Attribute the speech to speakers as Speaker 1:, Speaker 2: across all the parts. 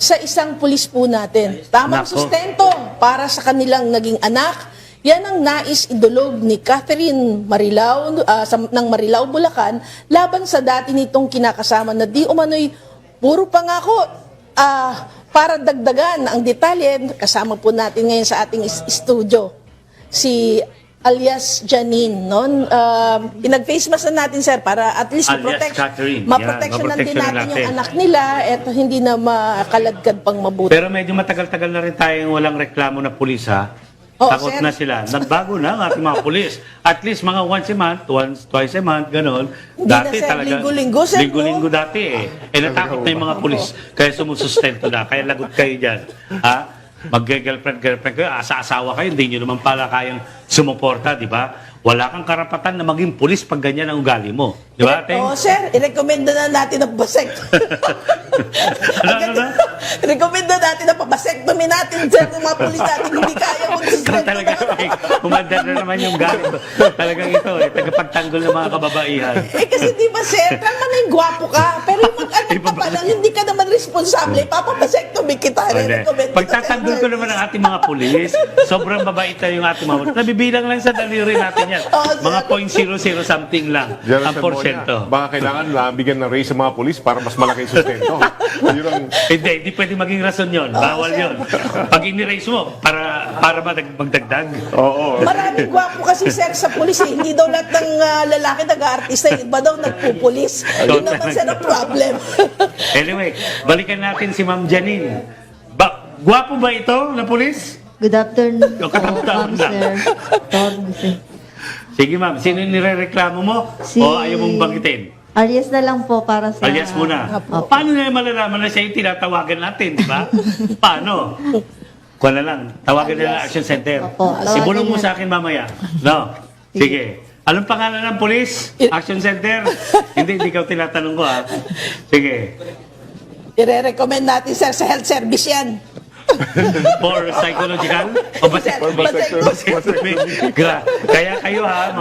Speaker 1: sa isang pulis po natin. Tamang
Speaker 2: Nako.
Speaker 1: sustento para sa kanilang naging anak. Yan ang nais idulog ni Catherine Marilao ng Marilao, Bulacan laban sa dati nitong kinakasama na di umano'y puro pangako. Para dagdagan ang detalye, kasama po natin ngayon sa ating studio si alias Janine, no? Pinag-face mask na natin, sir, para at least
Speaker 2: Alias Catherine.
Speaker 1: maproteksyonan din natin yung anak nila at hindi na makaladkad pang mabuti.
Speaker 2: Pero medyo matagal-tagal na rin tayong walang reklamo na pulis, ha?
Speaker 1: Oo,
Speaker 2: Takot
Speaker 1: sir.
Speaker 2: na sila. Nagbago na ang ating mga pulis. At least mga once a month, twice a month, gano'n.
Speaker 1: Hindi na, sir. Linggo-linggo, sir, no?
Speaker 2: Linggo-linggo dati, eh. Natakot na yung mga pulis. Kaya sumusustento na. Kaya lagot kayo dyan. Ha? Mag-girlfriend kayo, asa-asawa kayo, hindi nyo naman pala kayang sumuporta, di ba? Wala kang karapatan na maging pulis pag ganyan ang ugali mo. Di ba, Teng?
Speaker 1: Oo, sir. I-recommend na natin ang pabasektomy.
Speaker 2: Ano?
Speaker 1: I-recommend na natin ang pabasektomy natin, sir, ng mga pulis natin hindi kaya
Speaker 2: Ikaw
Speaker 1: magsustento.
Speaker 2: talaga, umanda na naman yung galit. Talagang ito, tagapagtanggol ng mga kababaihan.
Speaker 1: Kasi di ba, sir, tama na yung gwapo ka, pero yung mag-anak ka pa lang, hindi ka naman responsable, papabasektomy kita. I-recommend kita,
Speaker 2: Pagtatanggol ko naman ang ating mga pulis, sobrang mabait na yung ating mga nabibilang lang sa daliri natin yan. Mga 0.00 something lang
Speaker 3: Diyan
Speaker 2: ang
Speaker 3: sa
Speaker 2: porsyento.
Speaker 3: Baka kailangan bigyan ng raise sa mga polis para mas malaki yung sustento. Yun ang...
Speaker 2: Hindi pwede maging rason yun. Bawal yun. Pag ini-raise mo, para magdagdag.
Speaker 3: Oo.
Speaker 1: Maraming gwapo kasi, sir, sa pulis. Eh. Hindi daw lahat ng lalaki nag-aartista. Iba daw nagpupulis. Yun naman, sir, ang problem.
Speaker 2: Anyway, balikan natin si Ma'am Janine. Gwapo ba ito na pulis?
Speaker 4: Good afternoon
Speaker 2: Yung
Speaker 4: po,
Speaker 2: katamtaman
Speaker 4: ma'am,
Speaker 2: lang.
Speaker 4: sir. Torne, sir.
Speaker 2: Sige ma'am, sino yung nirereklamo mo? O ayaw mong banggitin?
Speaker 4: Alias na lang po para sa...
Speaker 2: Alias muna.
Speaker 4: Opo.
Speaker 2: Paano na malalaman na siya yung tinatawagan natin, di ba? Paano? Kuha na lang. Tawagan na lang ang Action Center.
Speaker 4: Opo, tawagan
Speaker 2: Ibulong mo
Speaker 4: niya.
Speaker 2: sa akin mamaya. No? Sige. Anong pangalan ng polis? Action Center? hindi ikaw tinatanong ko, ha? Sige.
Speaker 1: I-recommend natin, sir, sa health service yan.
Speaker 2: For psychological? O vasectomy? Kaya kayo, ha?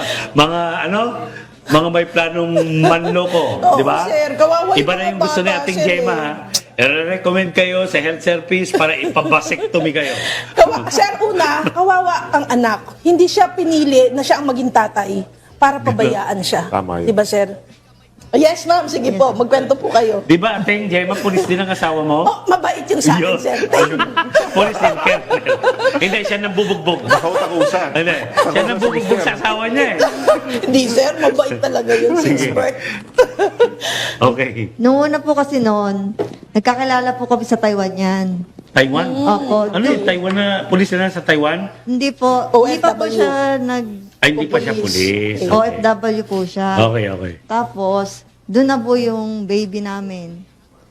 Speaker 2: Mga may planong manloko,
Speaker 1: Oo,
Speaker 2: di ba?
Speaker 1: sir. Kawawa
Speaker 2: Iba
Speaker 1: yung
Speaker 2: na yung
Speaker 1: mga
Speaker 2: gusto ni
Speaker 1: bata,
Speaker 2: ating
Speaker 1: sir,
Speaker 2: Gemma, ha? I-recommend kayo sa health service para ipabasectomy kayo.
Speaker 1: Sir, una, kawawa ang anak. Hindi siya pinili na siya ang maging tatay para pabayaan siya.
Speaker 3: Tama yun.
Speaker 1: Diba, sir? Yes, ma'am. Sige po. Magkwento po kayo.
Speaker 2: Di ba, ating Gemma, pulis din ang asawa mo?
Speaker 1: Oh, mabait yung sa akin,
Speaker 2: Yun.
Speaker 1: sir.
Speaker 2: Pulis din, Colonel. Hindi, siya nang bubugbog.
Speaker 3: Nakautak-usan.
Speaker 2: Hindi, siya nang bubugbog sa asawa niya, eh.
Speaker 1: Hindi, sir. Mabait talaga yung expert.
Speaker 2: Okay.
Speaker 4: Noong una po kasi noon, nagkakilala po kami sa Taiwan yan.
Speaker 2: Taiwan?
Speaker 4: Opo.
Speaker 2: Ano yung Taiwan na, pulis na sa Taiwan?
Speaker 4: Hindi po, hindi pa po
Speaker 1: OFW.
Speaker 4: siya
Speaker 2: Ay, hindi pa siya pulis. Okay.
Speaker 4: OFW po siya.
Speaker 2: Okay.
Speaker 4: Tapos, doon na po yung baby namin.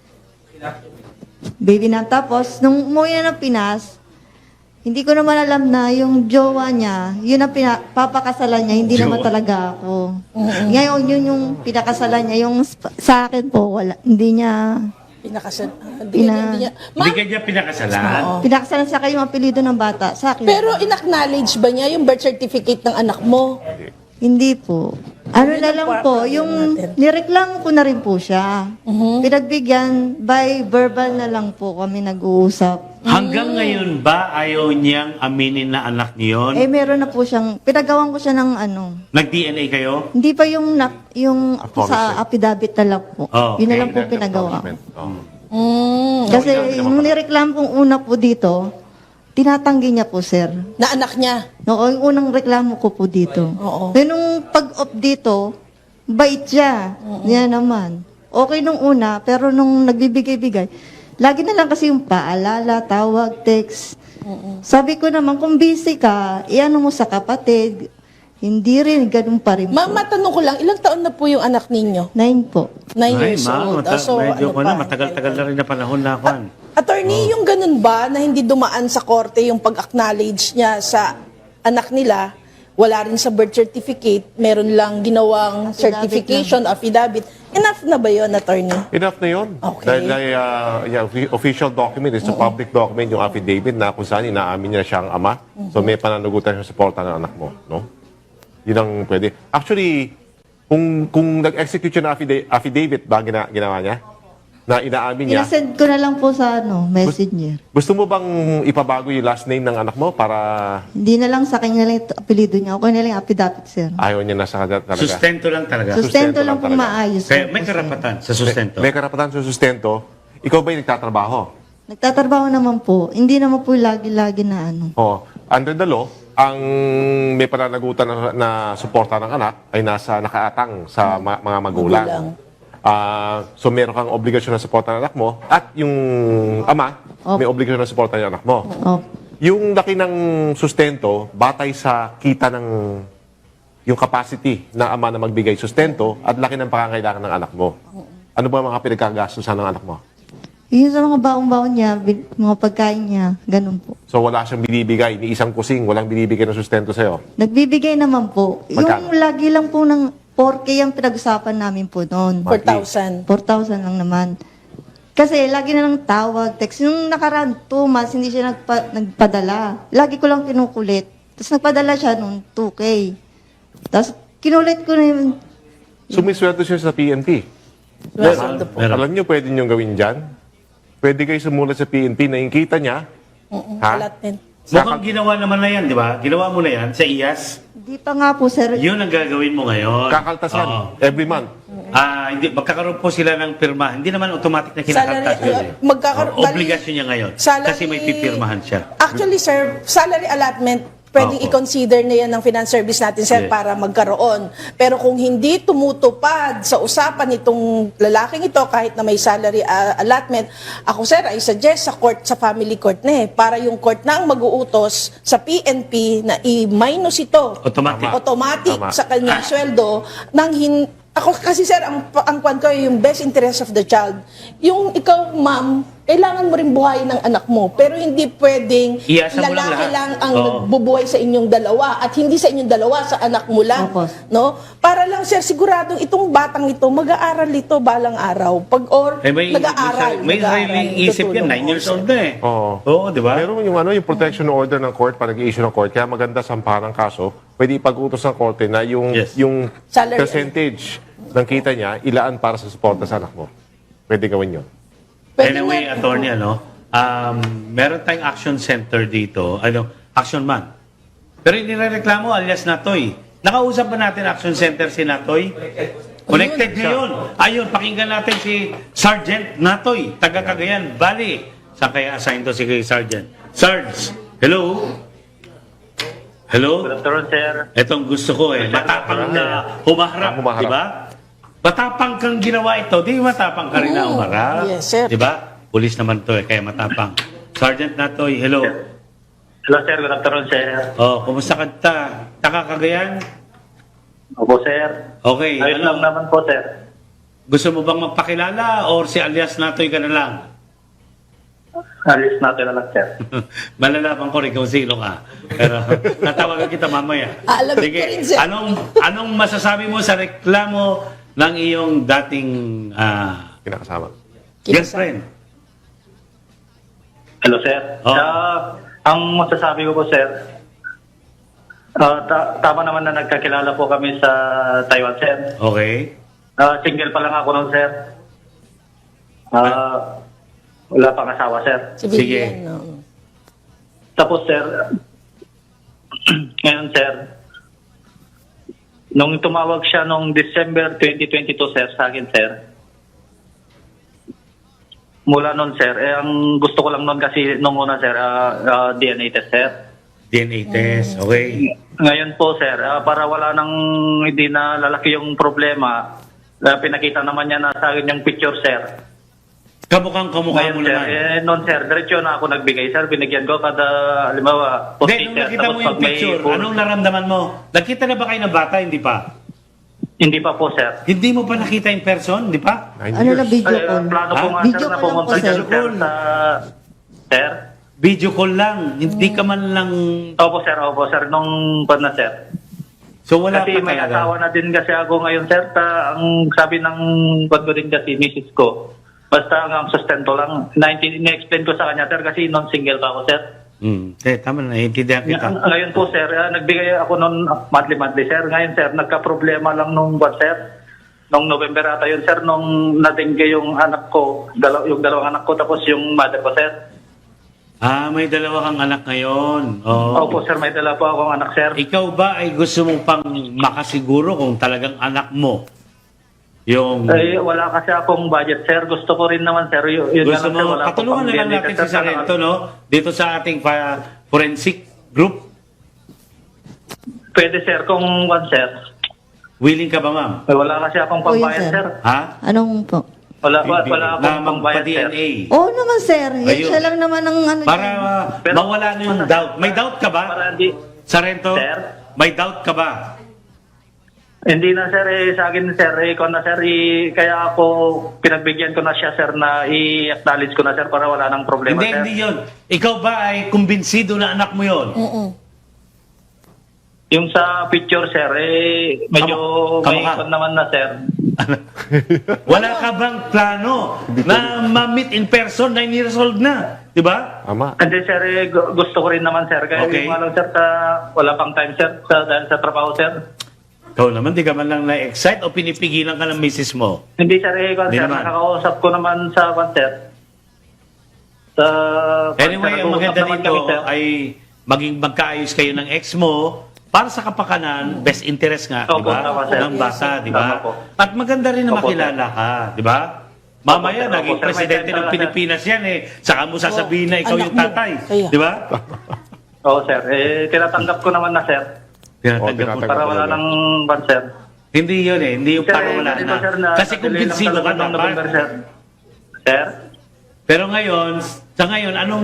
Speaker 4: Tapos, nung umuwi na ng Pinas, hindi ko naman alam na yung jowa niya, yun ang papakasalan niya, hindi naman
Speaker 2: Jowa.
Speaker 4: talaga ako. Ngayon, yun yung pinakasalan niya. Yung sa akin po, wala. Hindi niya,
Speaker 1: Pinakasal. Hindi niya.
Speaker 2: Hindi
Speaker 1: Ma'am,
Speaker 2: ka niya pinakasalan?
Speaker 4: pinakasalan sa akin yung apelido ng bata. Sa akin.
Speaker 1: pero in-acknowledge ba niya yung birth certificate ng anak mo?
Speaker 4: Hindi po. Ano
Speaker 1: Yun
Speaker 4: na
Speaker 1: ang
Speaker 4: lang
Speaker 1: part
Speaker 4: po,
Speaker 1: natin
Speaker 4: yung
Speaker 1: natin.
Speaker 4: nireklamo ko na rin po siya. Pinagbigyan, by verbal na lang po kami nag-uusap.
Speaker 2: Hanggang ngayon ba ayaw niyang aminin na anak niyon?
Speaker 4: Eh, meron na po siyang, pinagawan ko siya ng ano,
Speaker 2: Nag-DNA kayo?
Speaker 4: hindi pa yung
Speaker 3: Acknowledgement.
Speaker 4: sa affidavit na lang po.
Speaker 2: Oh,
Speaker 4: Yun na
Speaker 2: okay.
Speaker 4: lang po pinagawa.
Speaker 3: Oh.
Speaker 4: Kasi
Speaker 3: hindi
Speaker 4: yung
Speaker 3: naman
Speaker 4: nireklamo kong una po dito, tinatanggi niya po, sir.
Speaker 1: Na anak niya?
Speaker 4: No, yung unang reklamo ko po dito.
Speaker 1: Oo.
Speaker 4: Then, nung pag-off dito, bait siya. Yan naman. Okay nung una, pero nung nagbibigay-bigay, lagi na lang kasi yung paalala, tawag, text. Sabi ko naman, kung busy ka, iano mo sa kapatid. Hindi rin, ganun pa rin po.
Speaker 1: Ma'am, matanong ko lang, ilang taon na po yung anak ninyo?
Speaker 4: 9 po.
Speaker 1: 9
Speaker 2: Ay,
Speaker 1: years
Speaker 2: ma'am,
Speaker 1: old. So,
Speaker 2: medyo
Speaker 1: ano
Speaker 2: ko na,
Speaker 1: pa?
Speaker 2: matagal-tagal na rin na panahon na ako.
Speaker 1: Attorney, yung ganun ba na hindi dumaan sa korte yung pag-acknowledge niya sa anak nila, wala rin sa birth certificate, meron lang ginawang certification, affidavit, enough na ba yun, attorney?
Speaker 3: Enough na yun.
Speaker 1: Okay.
Speaker 3: Dahil official document, it's a public document, yung affidavit na kung saan inaamin niya siyang ama. So may pananagutan siya sa suporta ng anak mo. No? Yun ang pwede. Actually, kung nag-execute siya ng affidavit ba ginawa niya? na inaamin niya.
Speaker 4: Inasend ko na lang po sa messenger.
Speaker 3: Gusto mo bang ipabago yung last name ng anak mo para
Speaker 4: Hindi na lang sa kanya lang ito, apelido niya. Okay na lang yung affidavit, sir.
Speaker 3: ayaw niya na sa kanya talaga?
Speaker 2: Sustento lang talaga.
Speaker 4: Sustento
Speaker 3: Sustento
Speaker 4: lang
Speaker 3: lang
Speaker 4: pong
Speaker 3: talaga.
Speaker 4: maayos.
Speaker 2: Kaya
Speaker 4: lang
Speaker 2: may
Speaker 4: po, sir.
Speaker 2: karapatan sa sustento.
Speaker 3: May karapatan sa sustento. Ikaw ba'y nagtatrabaho?
Speaker 4: Nagtatrabaho naman po. Hindi naman po lagi-lagi na ano.
Speaker 3: Oh, under the law, ang may pananagutan na suporta ng anak ay nasa nakaatang sa mga magulang.
Speaker 1: Magulang.
Speaker 3: So meron kang obligasyon na suporta ng anak mo at yung ama may obligasyon na suporta ng anak mo.
Speaker 4: Oh.
Speaker 3: Yung laki ng sustento, batay sa kita ng yung capacity ng ama na magbigay sustento at laki ng pangangailangan ng anak mo. Ano ba ang mga pinagkagastusan ng anak mo?
Speaker 4: Yun sa mga baong-baon niya, mga pagkain niya, ganun po.
Speaker 3: So wala siyang binibigay, ni isang kusing, walang binibigay ng sustento sa'yo.
Speaker 4: Nagbibigay naman po.
Speaker 3: Magkano?
Speaker 4: Yung lagi lang po ng 4K ang pinag-usapan namin po noon.
Speaker 1: 4,000.
Speaker 4: 4,000 lang naman. Kasi lagi na lang tawag, text. Yung nakaraan 2 months, hindi siya nagpadala. Lagi ko lang kinukulit. Tapos nagpadala siya noon 2K. Tapos kinulit ko na yun.
Speaker 3: Sumisweldo siya sa PNP.
Speaker 1: Sweldo po.
Speaker 2: Meron.
Speaker 3: Alam niyo, pwede niyong gawin dyan. Pwede kayo sumulat sa PNP na yung kita niya. Ha?
Speaker 1: Allotment.
Speaker 2: Mukhang ginawa naman na yan, di ba? Ginawa mo na yan sa IAS.
Speaker 4: Hindi pa nga po, sir.
Speaker 2: Yun ang gagawin mo ngayon.
Speaker 3: Kakaltasan
Speaker 2: Oo.
Speaker 3: every month.
Speaker 2: Hindi, magkakaroon po sila ng pirma. Hindi naman automatic na kinakaltas
Speaker 1: Salary,
Speaker 2: yun.
Speaker 1: magkakaroon-
Speaker 2: Obligasyon niya ngayon.
Speaker 1: Salary-
Speaker 2: Kasi may pipirmahan siya.
Speaker 1: Actually, sir, salary allotment, pwedeng
Speaker 2: Opo.
Speaker 1: i-consider na yan ng finance service natin, sir,
Speaker 2: Yes.
Speaker 1: para magkaroon. Pero kung hindi tumutupad sa usapan nitong lalaking ito, kahit na may salary allotment, ako, sir, I suggest sa family court na para yung court na ang mag-uutos sa PNP na i-minus ito.
Speaker 2: Automatic.
Speaker 1: Automatic
Speaker 3: Tama.
Speaker 1: sa kanyang sweldo nang ako kasi, sir, ang kwan ko yung best interest of the child. Yung ikaw, ma'am, kailangan mo rin buhayin ng anak mo, pero hindi pwedeng
Speaker 2: Iasa mo lang
Speaker 1: lalaki
Speaker 2: lahat.
Speaker 1: lang ang
Speaker 2: Oo.
Speaker 1: nagbubuhay sa inyong dalawa at hindi sa inyong dalawa, sa anak mo lang.
Speaker 4: Opo.
Speaker 1: No? Para lang, sir, siguradong itong batang ito, mag-aaral ito balang araw.
Speaker 2: May
Speaker 1: nag-aaral.
Speaker 2: sariling isip yan. 9 years old na eh.
Speaker 3: Oo.
Speaker 2: Oo, di ba?
Speaker 3: Meron yung yung protection order ng court pag nag-i-issue ng court, kaya maganda sampahan ng kaso, pwede ipag-utos ng korte na yung
Speaker 2: Yes.
Speaker 3: yung
Speaker 1: Salary.
Speaker 3: percentage ng kita niya ilaan para sa suporta sa anak mo. Pwede gawin yun.
Speaker 1: Pwede
Speaker 2: Anyway,
Speaker 1: nga-
Speaker 2: attorney, meron tayong action center dito, action man. Pero hindi reklamo alias Natoy. Nakausap ba natin action center si Natoy? Connected ngayon. Ayun, pakinggan natin si Sergeant Natoy, taga Cagayan Valley. Saan kaya assign to si Sergeant? Sarge, hello? Hello?
Speaker 5: Good afternoon, sir.
Speaker 2: Itong gusto ko matapang na humaharap,
Speaker 3: Humaharap.
Speaker 2: di ba? Matapang kang ginawa ito, di matapang ka rin na humarap.
Speaker 1: Yes, sir.
Speaker 2: Di ba? Pulis naman to kaya matapang. Sergeant Natoy, hello.
Speaker 5: Hello, sir. Good afternoon, sir.
Speaker 2: Oh, kumusta ka ta? Takakagayan?
Speaker 5: Opo, sir.
Speaker 2: Okay,
Speaker 5: Ayos lang naman po, sir.
Speaker 2: Gusto mo bang magpakilala or si alias Natoy ka na lang?
Speaker 5: Alis natin na lang, sir.
Speaker 2: Malalaman ko rin kung sino ka. Pero tatawagan kita mamaya.
Speaker 1: Alamin ko rin, sir.
Speaker 2: Anong masasabi mo sa reklamo ng iyong dating
Speaker 3: Kinakasama.
Speaker 2: girlfriend?
Speaker 5: Hello, sir.
Speaker 2: Oh.
Speaker 5: Ang masasabi ko po, sir, tama naman na nagkakilala po kami sa Taiwan, sir.
Speaker 2: Okay.
Speaker 5: Single pa lang ako noon, sir. Wala pang asawa, sir.
Speaker 1: Civilian,
Speaker 2: Sige.
Speaker 1: no?
Speaker 5: Tapos, sir, ngayon, sir, nung tumawag siya nung December 2022, sir, sa akin, sir, mula nun, sir, ang gusto ko lang nun kasi nung una, sir, DNA test, sir.
Speaker 2: DNA test, okay.
Speaker 5: Ngayon po, sir, para wala nang hindi na lalaki yung problema, pinakita naman niya na sa akin yung picture, sir.
Speaker 2: Kamukha mo
Speaker 5: Ngayon, sir,
Speaker 2: naman.
Speaker 5: noon, sir, diretso na ako nagbigay, sir. Binigyan ko kada, halimbawa,
Speaker 2: Hindi, nung nakita mo yung picture, anong naramdaman mo? Nakita na ba kayo ng bata, hindi pa?
Speaker 5: Hindi pa po, sir.
Speaker 2: Hindi mo pa nakita in person, di pa?
Speaker 3: 9
Speaker 4: Ano
Speaker 3: years.
Speaker 4: na video
Speaker 5: Ay,
Speaker 4: call?
Speaker 5: plano ko nga,
Speaker 4: Video
Speaker 5: sir, na
Speaker 4: call lang
Speaker 5: pumunta
Speaker 4: po,
Speaker 5: dyan,
Speaker 4: sir.
Speaker 5: sir, sa... Sir?
Speaker 2: Video call lang, hindi ka man lang...
Speaker 5: Opo, sir. Nung pan na, sir.
Speaker 2: So wala
Speaker 5: Kasi
Speaker 2: pa
Speaker 5: may
Speaker 2: talaga.
Speaker 5: asawa na din kasi ako ngayon, sir. Ang sabi ng bad ko din kasi, misis ko, basta ang sustento lang. Na-explain ko sa kanya, sir, kasi non-single pa ako, sir.
Speaker 2: Tama na, naiintindihan kita.
Speaker 5: Ngayon po, sir, nagbigay ako noon monthly, sir. Ngayon, sir, nagka-problema lang nung buwan, sir. Nung November ata yun, sir, nung natingge yung anak ko, yung dalawang anak ko, tapos yung mother ko, sir.
Speaker 2: May dalawa kang anak ngayon. Oo.
Speaker 5: Opo, sir, may dala po akong anak, sir.
Speaker 2: Ikaw ba ay gusto mo pang makasiguro kung talagang anak mo yung...
Speaker 5: Wala kasi akong budget, sir. Gusto ko rin naman, sir. Yun
Speaker 2: gusto
Speaker 5: lang, sir,
Speaker 2: mo,
Speaker 5: wala akong
Speaker 2: patulungan na lang
Speaker 5: pambili,
Speaker 2: natin
Speaker 5: sir,
Speaker 2: si Sarento, no? Dito sa ating forensic group.
Speaker 5: Pwede, sir, kung sir.
Speaker 2: Willing ka ba, ma'am?
Speaker 5: Wala kasi akong
Speaker 4: Oo, yun,
Speaker 5: pambayad,
Speaker 4: sir.
Speaker 5: sir.
Speaker 2: Ha?
Speaker 4: Anong po?
Speaker 5: Wala
Speaker 2: Na
Speaker 5: akong pambayad, sir.
Speaker 2: magpa-DNA.
Speaker 4: Oo naman, sir. Yan
Speaker 2: Ayun.
Speaker 4: siya lang naman ang ano
Speaker 2: Para
Speaker 4: dyan.
Speaker 5: Pero-
Speaker 2: mawala na yung doubt. May doubt ka ba?
Speaker 5: Para hindi,
Speaker 2: Sarento?
Speaker 5: Sir?
Speaker 2: May doubt ka ba?
Speaker 5: hindi na, sir, sa akin, sir, ikaw na, sir, kaya ako, pinagbigyan ko na siya, sir, na i-acknowledge ko na, sir, para wala nang problema,
Speaker 2: Hindi,
Speaker 5: sir.
Speaker 2: hindi yun. Ikaw ba ay kumbinsido na anak mo yun?
Speaker 5: Yung sa picture, sir, medyo may
Speaker 2: Kamukha.
Speaker 5: ikon naman na, sir.
Speaker 2: Wala ka bang plano na ma-meet in person? 9 years old na. Di ba?
Speaker 3: Ama.
Speaker 5: Hindi, sir, gusto ko rin naman, sir. Kaya
Speaker 2: Okay.
Speaker 5: yung lang, sir, wala pang time, sir, dahil sa trabaho, sir.
Speaker 2: Ikaw naman, di ka man lang na-excite o pinipigilan ka ng misis mo?
Speaker 5: Hindi, sir,
Speaker 2: Hindi
Speaker 5: sir,
Speaker 2: naman.
Speaker 5: nakakausap ko naman sa concert. Sa
Speaker 2: Anyway, ang
Speaker 5: nag-uusap
Speaker 2: maganda
Speaker 5: naman
Speaker 2: dito
Speaker 5: kami, sir.
Speaker 2: ay maging magkaayos kayo ng ex mo para sa kapakanan, best interest nga, di
Speaker 5: Opo,
Speaker 2: ba?
Speaker 5: tama, sir.
Speaker 2: Ng bata, di
Speaker 5: Tama
Speaker 2: ba?
Speaker 5: po.
Speaker 2: At maganda rin na
Speaker 5: Opo,
Speaker 2: makilala ka, di ba? Mamaya,
Speaker 5: Opo, sir.
Speaker 2: naging
Speaker 5: Opo, sir. May
Speaker 2: presidente
Speaker 5: time
Speaker 2: ng
Speaker 5: talaga,
Speaker 2: Pilipinas yan eh. Saka mo sasabihin na ikaw
Speaker 1: anak
Speaker 2: yung
Speaker 1: mo.
Speaker 2: tatay.
Speaker 1: Kaya.
Speaker 2: Di ba?
Speaker 5: Oo, sir. Tinatanggap ko naman na, sir.
Speaker 2: Tinatanggap mo.
Speaker 3: tinatanggap.
Speaker 5: Para wala nang concert.
Speaker 2: Hindi yun eh. Hindi yung
Speaker 5: Sir,
Speaker 2: para wala
Speaker 5: ganito,
Speaker 2: na.
Speaker 5: sir,
Speaker 2: Kasi
Speaker 5: na-delay
Speaker 2: kumbinsido
Speaker 5: lang
Speaker 2: ka
Speaker 5: talaga ng November,
Speaker 2: dapat.
Speaker 5: sir. Sir?
Speaker 2: Pero ngayon, sa ngayon, anong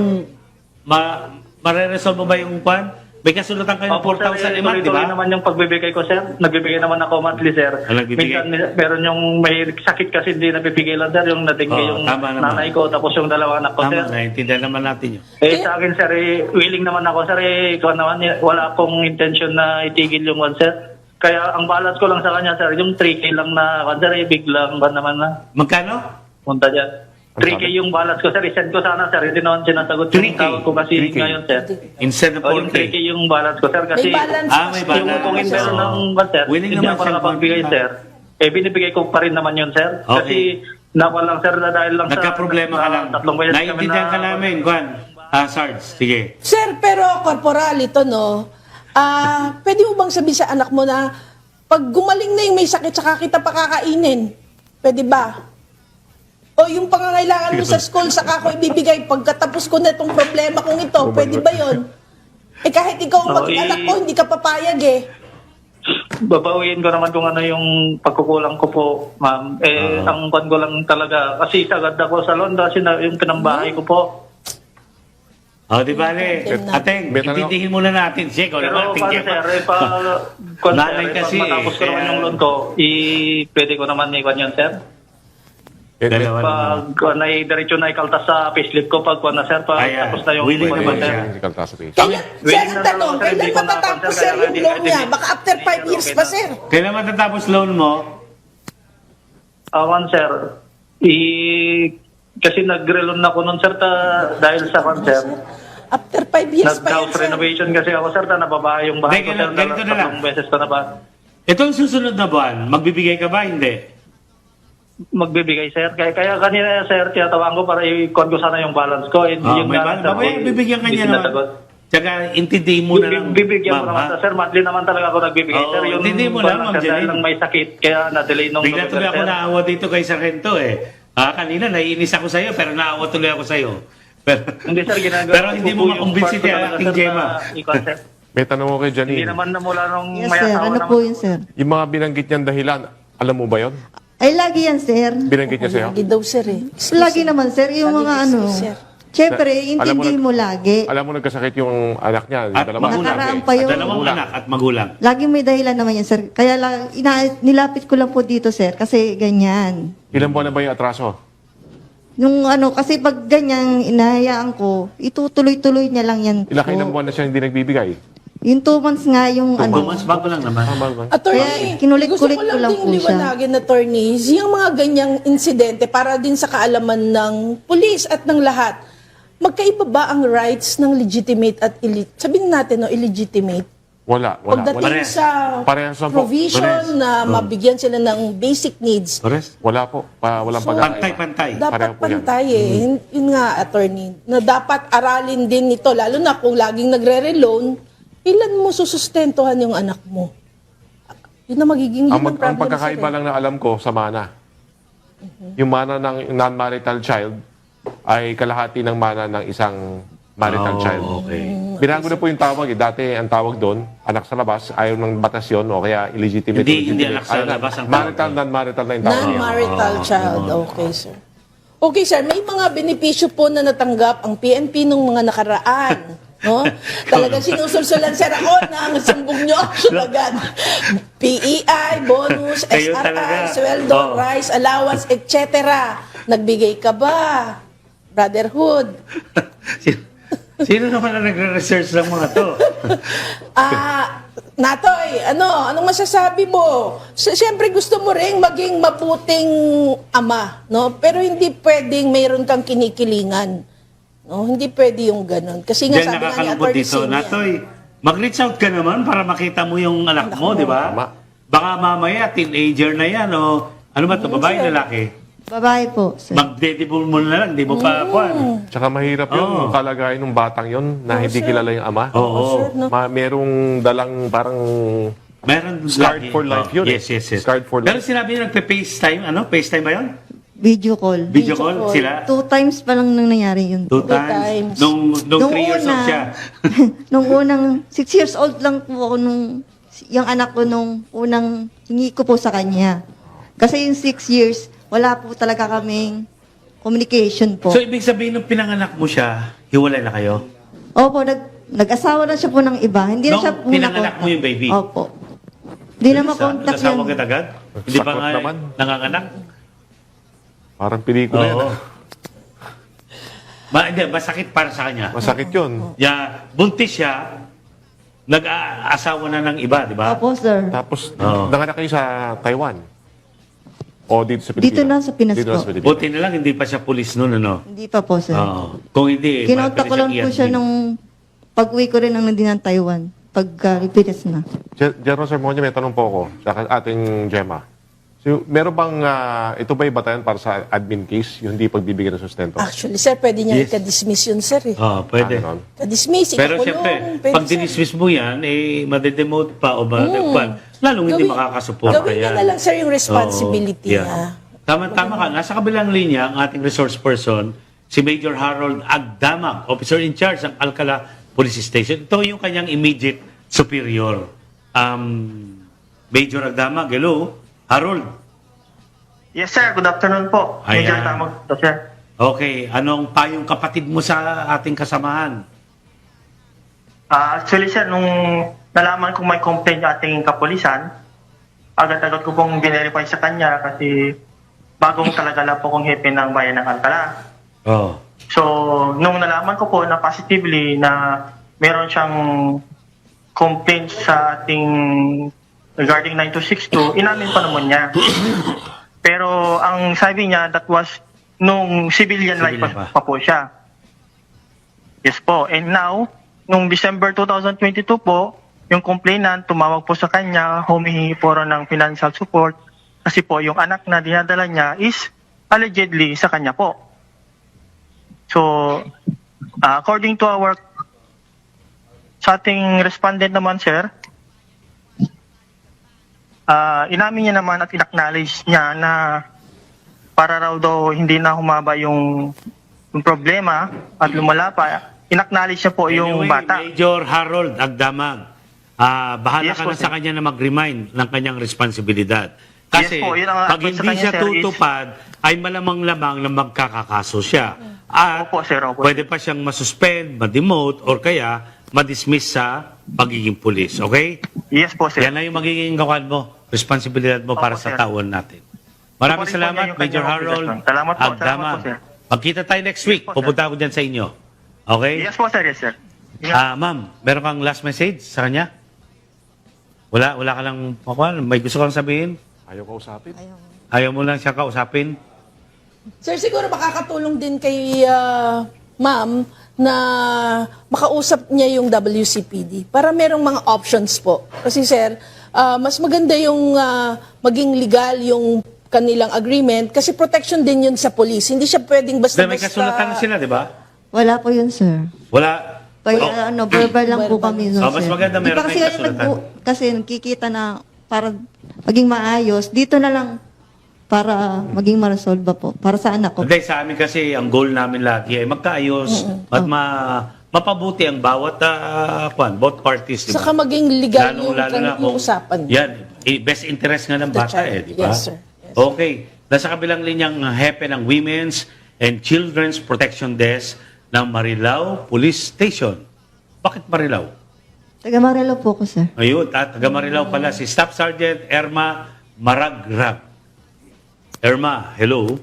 Speaker 2: mareresolve mo ba yung kwan? May kasulatan kayo ng
Speaker 5: Opo, sir,
Speaker 2: 4,000 a month, di
Speaker 5: tuloy-tuloy
Speaker 2: ba?
Speaker 5: naman yung pagbibigay ko, sir. Nagbibigay naman ako monthly, sir.
Speaker 2: nagbibigay.
Speaker 5: Minsan, meron yung may sakit kasi hindi nabibigay lang, sir. Yung natingge
Speaker 2: Oo,
Speaker 5: yung
Speaker 2: tama naman.
Speaker 5: nanay ko, tapos yung dalawa anak ko, sir.
Speaker 2: Tama, naiintindihan naman natin yun.
Speaker 5: Sa akin, sir, willing naman ako, sir. Ikaw naman, wala akong intention na itigil yung one, sir. Kaya ang balance ko lang sa kanya, sir, yung 3K lang na, sir, biglang ba naman na
Speaker 2: Magkano?
Speaker 5: punta dyan. 3K yung balance ko, sir. I-send ko sana, sir. Hindi naman sinasagot
Speaker 2: 3K?
Speaker 5: yung tawag ko kasi
Speaker 3: 3K.
Speaker 5: ngayon, sir.
Speaker 2: Instead of
Speaker 5: O, yung 3K
Speaker 2: 4K.
Speaker 5: yung balance ko, sir. Kasi
Speaker 1: May balance
Speaker 2: may
Speaker 1: pa.
Speaker 5: yung
Speaker 2: balance.
Speaker 5: kung hindi
Speaker 2: Oo.
Speaker 5: ng one, sir,
Speaker 2: Willing
Speaker 5: hindi
Speaker 2: naman
Speaker 5: ako
Speaker 2: siya
Speaker 5: nakapagbigay,
Speaker 2: mag-
Speaker 5: sir. Binibigay ko pa rin naman yun, sir.
Speaker 2: Okay.
Speaker 5: Kasi nakuha lang, sir, na dahil lang
Speaker 2: Nagka-problema ka lang.
Speaker 5: tatlong beses kami
Speaker 2: Naiintindihan ka namin, Kwan. Sarge, sige.
Speaker 1: Sir, pero corporal ito, no? Pwede mo bang sabihin sa anak mo na pag gumaling na yung may sakit, saka kita pakakainin? Pwede ba? O yung pangangailangan mo sa school, saka ako ibibigay pagkatapos ko na itong problema kong ito, pwede ba yon? Kahit ikaw ang maging anak ko, hindi ka papayag eh.
Speaker 5: Babawiin ko naman kung ano yung pagkukulang ko po, ma'am. Ang kwan ko lang talaga, kasi sagad ako sa Londra, yung pinambahay ko po.
Speaker 2: Di bale. Ateng,
Speaker 3: May tanong-
Speaker 2: intindihin muna natin. Sige, ikaw
Speaker 5: Pero
Speaker 2: naman,
Speaker 5: paano,
Speaker 2: tingin
Speaker 5: sir,
Speaker 2: pa. Nanay kasi,
Speaker 5: pag matapos ko
Speaker 2: kaya-
Speaker 5: naman yung loan ko, pwede ko naman iwan yun, sir.
Speaker 2: Dalawa naman.
Speaker 5: Pag diretso na ikaltas sa payslip ko, pag na, sir, pag
Speaker 2: Ayan.
Speaker 5: tapos na yung
Speaker 2: Willing
Speaker 5: iwan,
Speaker 2: naman
Speaker 5: sir.
Speaker 2: siya.
Speaker 1: Kaya, sir,
Speaker 5: willing
Speaker 1: ang
Speaker 5: na
Speaker 1: tanong,
Speaker 5: talaga, sir,
Speaker 1: kailan
Speaker 5: hindi ko na-
Speaker 1: matatapos,
Speaker 5: sir,
Speaker 1: sir,
Speaker 5: kaya
Speaker 1: yung
Speaker 5: hindi-
Speaker 1: loan niya?
Speaker 5: hindi-
Speaker 1: Baka after 5 years pa, sir.
Speaker 2: Kailan matatapos loan mo?
Speaker 5: Awan, sir. Kasi nag-relon ako nun, sir, dahil sa kan, sir.
Speaker 1: After 5 years pa yan,
Speaker 5: Nag-house
Speaker 1: sir.
Speaker 5: renovation kasi ako, sir, na nababahay yung bahay ko,
Speaker 2: Hindi,
Speaker 5: sir.
Speaker 2: ganito na lang.
Speaker 5: Tatlong beses ko na ba?
Speaker 2: Itong susunod na buwan, magbibigay ka ba? Hindi.
Speaker 5: Magbibigay, sir. Kaya kanina, sir, tinatawag ko para i-con ko sana yung balance ko. Yung
Speaker 2: May
Speaker 5: balance,
Speaker 2: balance. Babaya, bibigyan ka
Speaker 5: hindi
Speaker 2: niya naman.
Speaker 5: sinasagot.
Speaker 2: Tsaka, intindihin mo na lang.
Speaker 5: Bibigyan ko
Speaker 2: ma'am,
Speaker 5: naman,
Speaker 2: ha?
Speaker 5: sir. Monthly naman talaga ako nagbibigay,
Speaker 2: Oo,
Speaker 5: sir. Yung
Speaker 2: hindi mo
Speaker 5: balance,
Speaker 2: lang, Ma'am
Speaker 5: sir, dahil
Speaker 2: Janine.
Speaker 5: lang may sakit, kaya na-delay nung
Speaker 2: Bigla tuloy ako
Speaker 5: sir.
Speaker 2: naawa dito kay Sargento eh. Kanina, naiinis ako sa'yo, pero naawa tuloy ako sa'yo. Pero,
Speaker 5: Hindi, sir, ginagawa
Speaker 2: pero hindi
Speaker 5: ko
Speaker 2: mo
Speaker 5: po yung
Speaker 2: makumbinsi
Speaker 5: part ko
Speaker 2: ni
Speaker 5: talaga,
Speaker 2: Ating
Speaker 5: sir,
Speaker 2: Gemma.
Speaker 5: na i-concept.
Speaker 3: May tanong ko kay
Speaker 5: Hindi
Speaker 3: Janine.
Speaker 5: naman namula nung
Speaker 4: Yes,
Speaker 5: may
Speaker 4: sir.
Speaker 5: asawa
Speaker 4: Ano
Speaker 5: naman.
Speaker 4: po yun, sir?
Speaker 3: Yung mga binanggit niyang dahilan, alam mo ba yon?
Speaker 4: Ay, lagi yan, sir.
Speaker 3: Binanggit niya sa'yo?
Speaker 1: Lagi daw, sir, eh.
Speaker 4: Lagi naman, sir. Yung
Speaker 1: Lagi
Speaker 4: mga
Speaker 1: excuse,
Speaker 4: ano.
Speaker 1: sir.
Speaker 4: Siyempre,
Speaker 3: Alam mo
Speaker 4: intindihin mo lagi.
Speaker 3: Alam mo nagkasakit yung anak niya, yung
Speaker 2: At
Speaker 3: dalawa.
Speaker 2: magulang.
Speaker 4: Nakaraan pa yun.
Speaker 2: Dalawang anak at magulang.
Speaker 4: Laging may dahilan naman yan, sir. Kaya lang, nilapit ko lang po dito, sir. Kasi ganyan.
Speaker 3: Ilan buwan na ba yung atraso?
Speaker 4: Yung ano, kasi pag ganyan, inahayaan ko, itutuloy-tuloy niya lang yan.
Speaker 3: Ilang buwan na siya hindi nagbibigay?
Speaker 4: Yung 2 months nga yung ano.
Speaker 2: Mas bago lang naman.
Speaker 3: Tama ba?
Speaker 1: Attorney,
Speaker 4: Kaya kinulit-kulit
Speaker 1: gusto ko
Speaker 4: ko lang
Speaker 1: lang
Speaker 4: po
Speaker 1: ding
Speaker 4: siya.
Speaker 1: liwanagin, attorney, yung mga ganyang insidente para din sa kaalaman ng pulis at ng lahat. Magkaiba ba ang rights ng legitimate at sabihin natin, no, illegitimate?
Speaker 3: Wala.
Speaker 1: Pagdating
Speaker 2: Parehas.
Speaker 1: sa
Speaker 3: Parehas lang po.
Speaker 1: provision
Speaker 2: Parehas.
Speaker 1: na mabigyan sila ng basic needs,
Speaker 2: Correct?
Speaker 3: Wala po. Walang
Speaker 1: So,
Speaker 3: pag-aaral.
Speaker 2: Pantay-pantay.
Speaker 1: dapat
Speaker 3: Pareho po yan.
Speaker 1: pantay eh. Yun nga, attorney, na dapat aralin din nito, lalo na kung laging nagre-reloan, ilan mo susustentuhan yung anak mo? Yun na magiging
Speaker 3: Ang
Speaker 1: problem,
Speaker 3: pagkakaiba
Speaker 1: sir, eh.
Speaker 3: lang na alam ko sa mana. Yung mana ng non-marital child ay kalahati ng mana ng isang marital child.
Speaker 2: Okay.
Speaker 3: Binago na po yung tawag eh. Dati ang tawag doon, anak sa labas, ayaw ng batas yun o kaya illegitimate.
Speaker 2: Hindi anak sa
Speaker 3: Ayaw na.
Speaker 2: labas ang
Speaker 3: Marital,
Speaker 2: tawag.
Speaker 3: non-marital na yung tawag.
Speaker 1: Non-marital child. Okay, sir. Okay, sir. May mga benepisyo po na natanggap ang PNP nung mga nakaraan. No? Talagang sinusulsulan, sir, ako ng sumbong nyo action agad. PEI, bonus,
Speaker 2: Kayo
Speaker 1: SRI,
Speaker 2: talaga.
Speaker 1: sweldo,
Speaker 2: Oh.
Speaker 1: rice, allowance, etc. Nagbigay ka ba? Brotherhood.
Speaker 2: Sino naman ang nagre-research ng mga to?
Speaker 1: Natoy, anong masasabi mo? Siyempre gusto mo ring maging mabuting ama, no? Pero hindi pwedeng mayroon kang kinikilingan. No, hindi pwede yung ganun. Kasi nga
Speaker 2: Diyan
Speaker 1: sabi nga ni
Speaker 2: nakakalungkot
Speaker 1: Atty.
Speaker 2: dito.
Speaker 1: Senior,
Speaker 2: Natoy, mag-reach out ka naman para makita mo yung anak mo, di ba?
Speaker 3: Tama.
Speaker 2: Baka mamaya, teenager na yan, o ano ba to, babae,
Speaker 1: sir.
Speaker 2: lalaki?
Speaker 4: Babae po, sir.
Speaker 2: Mag-dedibol mo na lang, di mo pa, kwan.
Speaker 3: Tsaka mahirap yun,
Speaker 2: Oo.
Speaker 3: yung kalagayan ng batang yun na hindi
Speaker 1: sir.
Speaker 3: kilala yung ama.
Speaker 2: Oo.
Speaker 1: sir, no?
Speaker 3: Merong dalang parang
Speaker 2: Meron
Speaker 3: Scarred
Speaker 2: lagi.
Speaker 3: for life yun eh.
Speaker 2: Yes, yes, yes.
Speaker 3: Scarred for
Speaker 2: Pero
Speaker 3: life.
Speaker 2: sinabi nyo, nagpe-FaceTime, FaceTime ba yun?
Speaker 4: Video call.
Speaker 2: Video
Speaker 1: Video
Speaker 2: call
Speaker 1: call.
Speaker 2: sila?
Speaker 4: 2 times pa lang nang nangyari yun.
Speaker 2: Two
Speaker 1: times.
Speaker 2: times. Nung 3 years old siya.
Speaker 4: nung unang, 6 years old lang po ako yung anak ko nung unang hingi ko po sa kanya. Kasi yung 6 years, wala po talaga kaming communication po.
Speaker 2: So, ibig sabihin, nung pinanganak mo siya, hiwalay na kayo?
Speaker 4: Opo, nag-asawa na siya po ng iba. Hindi na
Speaker 2: Nung
Speaker 4: siya po
Speaker 2: pinanganak mo yung baby?
Speaker 4: Opo. Hindi na
Speaker 2: Bilis,
Speaker 4: makontak
Speaker 2: nag-asawa
Speaker 4: yan.
Speaker 2: ka agad? Hindi pa
Speaker 3: Sakot
Speaker 2: nga
Speaker 3: naman.
Speaker 2: nanganganak?
Speaker 3: Parang pelikula yan.
Speaker 2: Oo.
Speaker 3: ah.
Speaker 2: Hindi, masakit para sa kanya.
Speaker 3: Masakit yun.
Speaker 2: Buntis siya, nag-aasawa na ng iba, di ba?
Speaker 4: Opo, sir.
Speaker 3: Tapos,
Speaker 2: Oo.
Speaker 3: nanganak kayo sa Taiwan. O dito sa Pilipinas?
Speaker 4: Dito na sa Pinas
Speaker 3: Dito na
Speaker 4: po.
Speaker 3: sa Pilipinas.
Speaker 2: Buti na lang, hindi pa siya pulis noon, ano?
Speaker 4: Hindi pa po, sir.
Speaker 2: Oo. Kung hindi,
Speaker 4: Kinontak ko lang po siya nung pag-uwi ko rin ng ng Taiwan. Pagka-Pinas na.
Speaker 3: General Sermonia, may tanong po ako sa ating Gemma. So, meron bang, ito ba'y batayan para sa admin case, yung hindi pagbibigyan ng sustento?
Speaker 1: Actually, sir, pwede niya
Speaker 2: Yes.
Speaker 1: i-dismiss yun, sir. Eh.
Speaker 2: Oo, pwede.
Speaker 3: Ganon.
Speaker 1: Ka-dismiss,
Speaker 2: Pero
Speaker 1: ikakulong,
Speaker 2: siyempre,
Speaker 1: pwede,
Speaker 2: pag
Speaker 1: sir.
Speaker 2: dinismiss mo yan, madedemote pa o lalong hindi makakasuporta
Speaker 1: Gawin niya
Speaker 2: yan.
Speaker 1: na lang, sir, yung responsibility
Speaker 2: Oo,
Speaker 1: niya.
Speaker 2: Tama ka. Nasa kabilang linya, ang ating resource person, si Major Harold Agdamag, officer in charge ng Alcala Police Station. Ito yung kanyang immediate superior. Major Agdamag, hello? Harold?
Speaker 5: Yes, sir. Good afternoon po.
Speaker 2: Ayan.
Speaker 5: Major Tamag to, sir.
Speaker 2: Okay, anong payong kapatid mo sa ating kasamahan?
Speaker 5: Actually, sir, nung nalaman kong may complaint yung ating kapulisan, agad-agad ko pong verify sa kanya kasi bagong talaga po kong hepe ng bayan ng Alcala.
Speaker 2: Oh.
Speaker 5: So, nung nalaman ko po na positively na meron siyang complaint sa ating regarding 9262, inamin pa naman niya. Pero ang sabi niya, that was nung civilian life
Speaker 2: Civilian
Speaker 5: pa po siya. Yes po. And now, nung December 2022 po, yung complainant tumawag po sa kanya, humihingi po rin ng financial support kasi po yung anak na dinadala niya is allegedly sa kanya po. So, according to our sa ating respondent naman, sir, inamin niya naman at in-acknowledge niya na para raw daw hindi na humaba yung problema at lumala pa, in-acknowledge niya po yung
Speaker 2: Anyway,
Speaker 5: bata.
Speaker 2: Major Harold Agdamag, bahala
Speaker 5: Yes
Speaker 2: ka
Speaker 5: po,
Speaker 2: na sa
Speaker 5: sir.
Speaker 2: kanya na mag-remind ng kanyang responsibilidad. Kasi
Speaker 5: Yes po, yun ang
Speaker 2: pag
Speaker 5: advice sa
Speaker 2: hindi
Speaker 5: kanya,
Speaker 2: siya
Speaker 5: sir, is-
Speaker 2: tutupad, ay malamang-lamang na magkakakaso siya. At
Speaker 5: Opo, sir, opo.
Speaker 2: pwede pa siyang masuspend, ma-demote, or kaya ma-dismiss sa pagiging pulis. Okay?
Speaker 5: Yes po, sir.
Speaker 2: Yan na yung magiging gawan mo, responsibilidad mo
Speaker 5: Opo,
Speaker 2: para sa
Speaker 5: sir.
Speaker 2: taon natin. Maraming
Speaker 5: Ito rin po
Speaker 2: salamat,
Speaker 5: niya yung
Speaker 2: Major
Speaker 5: kanyang
Speaker 2: Harold
Speaker 5: obligasyon. Salamat po, salamat
Speaker 2: Agdamag.
Speaker 5: po, sir.
Speaker 2: Magkita tayo next week.
Speaker 5: Yes po, sir.
Speaker 2: Pupunta ako dyan sa inyo. Okay?
Speaker 5: Yes po, sir. Yes, sir.
Speaker 2: Ma'am, meron kang last message sa kanya? Wala ka lang, may gusto kang sabihin?
Speaker 3: Ayaw ko usapin.
Speaker 2: Ayaw mo lang siya kausapin?
Speaker 1: Sir, siguro makakatulong din kay ma'am na makausap niya yung WCPD para merong mga options po. Kasi sir, mas maganda yung maging legal yung kanilang agreement kasi protection din yun sa police. Hindi siya pwedeng
Speaker 2: Dahil may
Speaker 1: basta-basta.
Speaker 2: kasulatan na sila, di ba?
Speaker 4: Wala po yun, sir.
Speaker 2: Wala.
Speaker 4: Verbal lang po kami nun,
Speaker 2: Oh, mas
Speaker 4: sir.
Speaker 2: maganda
Speaker 4: Di
Speaker 2: meron
Speaker 4: ba kasi
Speaker 2: kayong kasulatan?
Speaker 4: kasi nakikita na para maging maayos, dito na lang para maging ma-resolve po. Para sa anak ko.
Speaker 2: Hindi, sa amin kasi ang goal namin lagi ay magkaayos at mapabuti ang bawat both parties, di ba?
Speaker 1: Saka maging legal yung
Speaker 2: Lalo na
Speaker 1: yung usapan.
Speaker 2: Yan, best interest nga ng
Speaker 1: The
Speaker 2: bata
Speaker 1: child.
Speaker 2: di ba?
Speaker 1: Yes, sir. Yes.
Speaker 2: Okay. Nasa kabilang linyang hepe ng Women's and Children's Protection Desk ng Marilao Police Station. Bakit Marilao?
Speaker 4: Taga Marelo po ko, sir.
Speaker 2: Ayun, taga Marilao pala si Staff Sergeant Erma Maragrag. Erma, hello?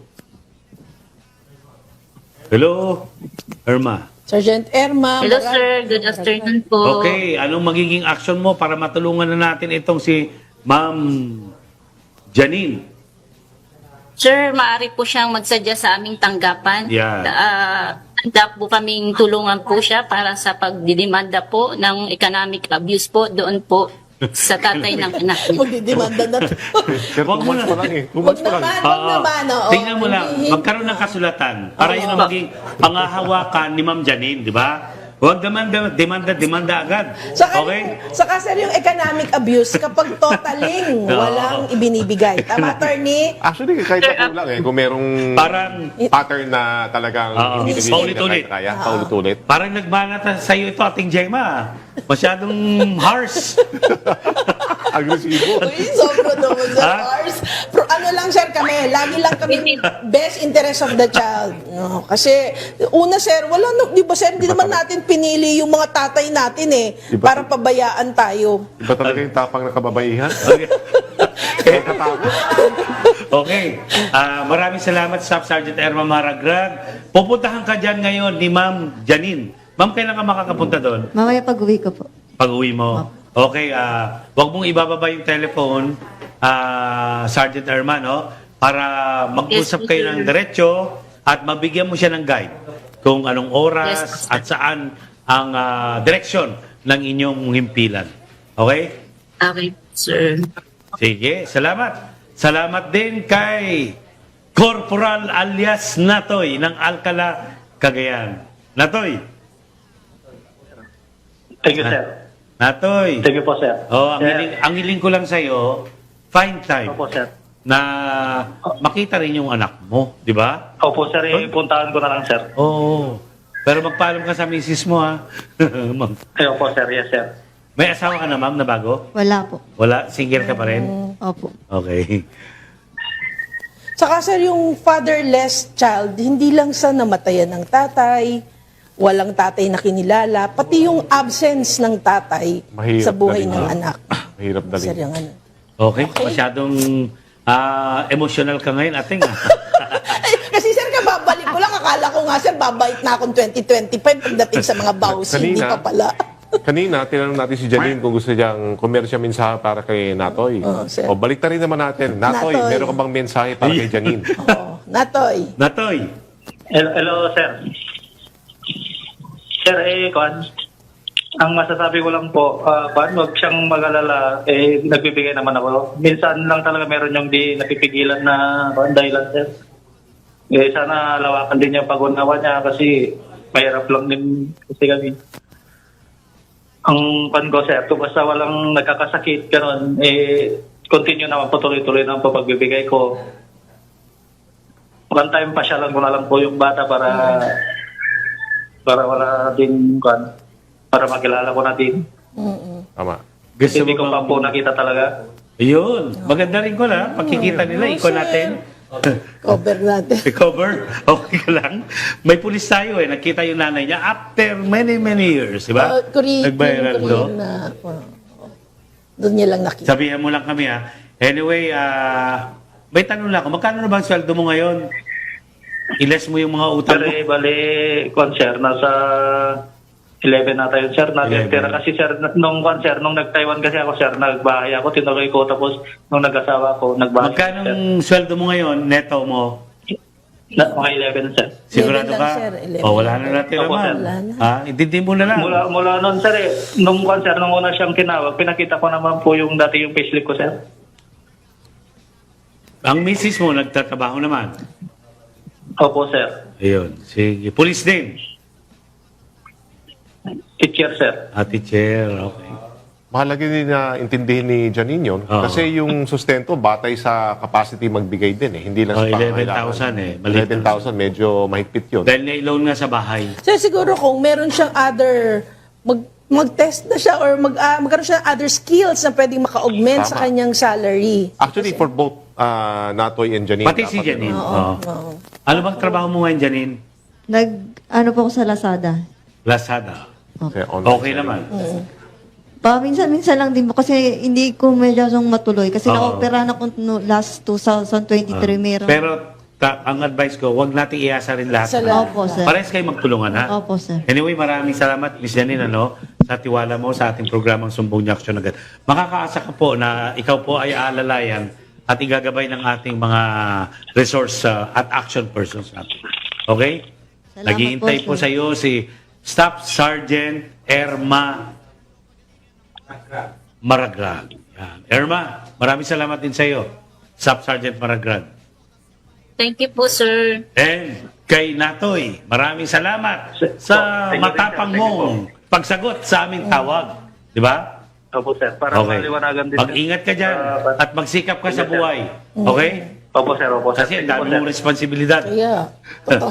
Speaker 2: Hello? Erma.
Speaker 1: Sergeant Erma.
Speaker 6: Hello sir, good afternoon po.
Speaker 2: Okay, anong magiging action mo para matulungan na natin itong si Ma'am Janine?
Speaker 6: Sir, maaari po siyang magsadya sa aming tanggapan.
Speaker 2: Yeah.
Speaker 6: Handa po kaming tulungan po siya para sa pagdidemanda po ng economic abuse po doon po sa tatay ng anak niya.
Speaker 1: Magdidemanda na to.
Speaker 3: Sir, 2 months pa lang eh. 2 months pa lang.
Speaker 1: Wag naman. Oo.
Speaker 2: Tingnan mo lang, magkaroon ng kasulatan para yun ang maging pangahawakan ni Ma'am Janine, di ba? Huwag demanda agad.
Speaker 1: Saka,
Speaker 2: Okay?
Speaker 1: saka sir, yung economic abuse, kapag totaling walang ibinibigay. Tama, attorney?
Speaker 3: Actually, kahit ako lang eh. Kung merong
Speaker 2: Parang,
Speaker 3: pattern na talagang
Speaker 2: Oo.
Speaker 3: hindi
Speaker 2: Paulit-ulit.
Speaker 3: kaya, paulit-ulit.
Speaker 2: parang nagbanat sa iyo ito, ating Gemma. Masyadong harsh.
Speaker 3: Agresibo.
Speaker 1: Uy, sobra naman, sir.
Speaker 2: Ha?
Speaker 1: Lars. Pero ano lang, sir, kami, lagi lang kami best interest of the child. No, kasi, una, sir, wala, di ba, sir, hindi naman natin pinili yung mga tatay natin eh,
Speaker 3: Iba-
Speaker 1: para pabayaan tayo.
Speaker 3: Iba talaga yung tapang na kababaihan.
Speaker 2: Okay.
Speaker 3: Nakakatakot.
Speaker 2: Okay. Maraming salamat, Staff Sergeant Erma Maragrag. Pupuntahan ka dyan ngayon ni Ma'am Janine. Ma'am, kailan ka makakapunta doon?
Speaker 4: Mamaya pag-uwi ko po.
Speaker 2: Pag-uwi mo. Okay, wag mong ibababa yung telephone, Sergeant Erma, no? Para mag-usap
Speaker 6: Yes,
Speaker 2: kayo
Speaker 6: sir.
Speaker 2: ng diretso at mabigyan mo siya ng guide kung anong oras
Speaker 6: Yes, sir.
Speaker 2: at saan ang direksyon ng inyong himpilan. Okay?
Speaker 6: Okay, sir.
Speaker 2: Sige, salamat. Salamat din kay Corporal alias Natoy ng Alcala, Cagayan. Natoy.
Speaker 5: Thank you, sir.
Speaker 2: Natoy.
Speaker 5: Thank you po, sir.
Speaker 2: Oh,
Speaker 5: Sir.
Speaker 2: ang hiling ko lang sa iyo, find time
Speaker 5: Opo, sir.
Speaker 2: na makita rin yung anak mo, di ba?
Speaker 5: Opo, sir. Puntahan ko na lang, sir.
Speaker 2: Oo. Pero magpaalam ka sa misis mo, ha? Ma'am.
Speaker 5: Opo, sir. Yes, sir.
Speaker 2: May asawa ka na, ma'am, na bago?
Speaker 4: Wala po.
Speaker 2: Wala? Single ka pa rin?
Speaker 4: Opo.
Speaker 2: Okay.
Speaker 1: Saka sir, yung fatherless child, hindi lang sa namatayan ng tatay, walang tatay na kinilala, pati yung absence ng tatay
Speaker 3: Mahirap
Speaker 1: sa buhay
Speaker 3: dalhin.
Speaker 1: ng anak.
Speaker 3: Mahirap dalhin.
Speaker 1: Sir, yung ano.
Speaker 2: Okay. Masyadong emotional ka ngayon, ating.
Speaker 1: Kasi sir, kababalik ko lang, akala ko nga sir, babait na akong 2025 pagdating sa mga bawsi, hindi pa pala.
Speaker 3: Kanina, tinanong natin si Janine kung gusto niyang kung meron siya mensahe para kay Natoy.
Speaker 1: Sir.
Speaker 3: O balik rin naman natin. Natoy,
Speaker 1: Natoy.
Speaker 3: meron ka bang mensahe para kay Janine?
Speaker 1: Oo, Natoy.
Speaker 2: Natoy.
Speaker 5: Hello, sir. Sir, Kwan, ang masasabi ko lang po, Kwan, huwag siyang mag-alala, nagbibigay naman ako. Minsan lang talaga meron yung di napipigilan na Kwan, dahilan, sir. Sana lawakan din yung pag-unawa niya kasi mahirap lang din kasi kami. Ang Kwan ko, sir, kung basta walang nagkakasakit, gano'n, continue naman po tuloy-tuloy ng pagbibigay ko. One time pasyalan ko na lang po yung bata para wala din kan para makilala ko na din.
Speaker 3: Tama.
Speaker 2: Gusto
Speaker 5: Hindi
Speaker 2: mo
Speaker 5: ko pa po nakita talaga.
Speaker 2: Ayun. Maganda rin ko na. Pagkikita nila, ikaw natin.
Speaker 1: Cover natin.
Speaker 2: Cover? Okay ka lang. May pulis tayo eh. Nakita yung nanay niya after many, many years. Diba? Nag-viral, no?
Speaker 1: Doon niya lang nakita.
Speaker 2: Sabihan mo lang kami ha. Anyway, may tanong lang ako. Magkano na ba ang sweldo mo ngayon? Iles mo yung mga utang
Speaker 5: Pero
Speaker 2: mo?
Speaker 5: bali sir, nasa 11 na tayo sir.
Speaker 2: 11.
Speaker 5: Pero kasi sir, nung nag-Taiwan kasi ako sir, nagbahay ako, tinuloy ko. Tapos nung nag-asawa ko, nagbahay.
Speaker 2: Magkano ang sweldo mo ngayon, neto mo?
Speaker 7: Mga 11, sir.
Speaker 2: Sigurado
Speaker 1: 11 lang,
Speaker 2: ka?
Speaker 1: sir, 11.
Speaker 2: O, wala na natin
Speaker 7: Opo,
Speaker 2: naman.
Speaker 7: sir.
Speaker 1: Wala na.
Speaker 2: Ha? Intindi mo na lang.
Speaker 7: Mula noon, sir, nung una siyang tinawag, pinakita ko naman po yung dati yung payslip ko, sir.
Speaker 2: Ang misis mo, nagtatrabaho naman.
Speaker 7: Opo, sir.
Speaker 2: Ayun. Sige. Police din.
Speaker 7: Teacher, sir.
Speaker 2: Teacher. Okay.
Speaker 3: Mahalaga din na intindihin ni Janine yun.
Speaker 2: Oo.
Speaker 3: Kasi yung sustento, batay sa capacity magbigay din eh. Hindi lang sa
Speaker 2: 11,000 eh. Maliit na.
Speaker 3: 11,000, medyo mahigpit yun.
Speaker 2: Dahil na-loan nga sa bahay.
Speaker 1: So siguro kung meron siyang other, mag-test na siya or magkaroon siya ng other skills na pwedeng maka-augment sa
Speaker 3: Tama.
Speaker 1: kanyang salary.
Speaker 3: Actually, for both Natoy and Janine.
Speaker 2: Pati si
Speaker 3: dapat
Speaker 2: Janine.
Speaker 3: ganun.
Speaker 2: Oo. Ano bang trabaho mo ngayon, Janine?
Speaker 4: Ano po ako sa Lazada.
Speaker 2: Lazada.
Speaker 3: Kasi online
Speaker 2: Okay
Speaker 3: selling.
Speaker 2: naman.
Speaker 4: Minsan-minsan lang din po kasi hindi ko medyo matuloy kasi
Speaker 2: Oo.
Speaker 4: na-opera na ko last 2023 meron.
Speaker 2: Pero ang advice ko, wag natin iasa rin lahat.
Speaker 1: Sa lahat.
Speaker 4: Opo, sir.
Speaker 2: Parehas kayo magtulungan, ha?
Speaker 4: Opo, sir.
Speaker 2: Anyway, maraming salamat, Miss Janine, sa tiwala mo sa ating programang Sumbong Niyo Aksyon Agad. Makakaasa ka po na ikaw po ay aalalayan at igagabay ng ating mga resource at action persons natin. Okay?
Speaker 4: Salamat
Speaker 2: Naghihintay po
Speaker 4: po,
Speaker 2: sa iyo si Staff Sergeant Erma Maragrag. Yan. Erma, maraming salamat din sa iyo. Staff Sergeant Maragrag.
Speaker 6: Thank you po, sir.
Speaker 2: And kay Natoy, maraming salamat sa
Speaker 7: Thank you,
Speaker 2: matapang
Speaker 7: sir. Thank you
Speaker 2: mong pagsagot sa aming tawag. Di ba?
Speaker 7: Opo, sir. Para maliwanagan din.
Speaker 2: Mag-ingat ka dyan at magsikap ka sa buhay. Okay?
Speaker 7: Opo, sir. Opo, sir.
Speaker 2: Kasi ang
Speaker 7: Thank you po,
Speaker 2: dami
Speaker 7: sir.
Speaker 2: mong responsibilidad.
Speaker 1: Yeah.